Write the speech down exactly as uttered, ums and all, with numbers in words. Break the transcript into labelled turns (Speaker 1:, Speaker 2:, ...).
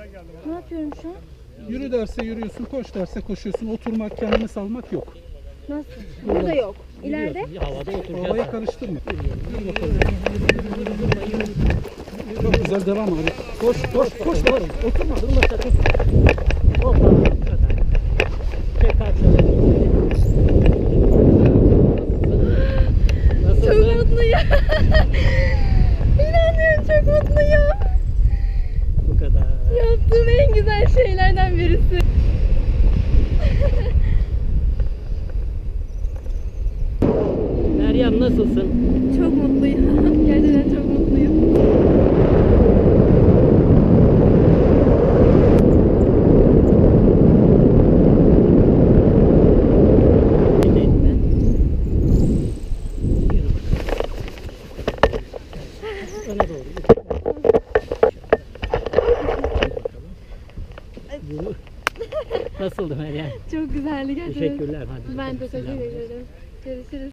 Speaker 1: Ne yapıyorum şu an?
Speaker 2: Yürü derse yürüyorsun, koş derse koşuyorsun. Oturmak, kendini salmak yok.
Speaker 1: Nasıl? Burada yok. İleride?
Speaker 3: Havada oturacağız.
Speaker 2: Havaya karıştırma. Yürü bakalım. Çok güzel, devam abi. Koş, koş, koş.
Speaker 3: Doğru. Oturma, durma sakın. Hoppa. Bu kadar. Çek kalçaları. Nasılsın?
Speaker 1: Çok mutluyum. İnanıyorum, çok mutluyum.
Speaker 3: Bu kadar.
Speaker 1: Yaptığım en güzel şeylerden birisi.
Speaker 3: Meryem nasılsın?
Speaker 1: Çok mutluyum. Gerçekten çok mutluyum.
Speaker 3: Ellerini. Yürü bakalım. Öne doğru. Yürü. Nasıldı Meryem?
Speaker 1: Çok güzeldi gerçekten.
Speaker 3: Teşekkürler. Hadi.
Speaker 1: Ben de teşekkür
Speaker 3: Selam.
Speaker 1: ederim. Görüşürüz.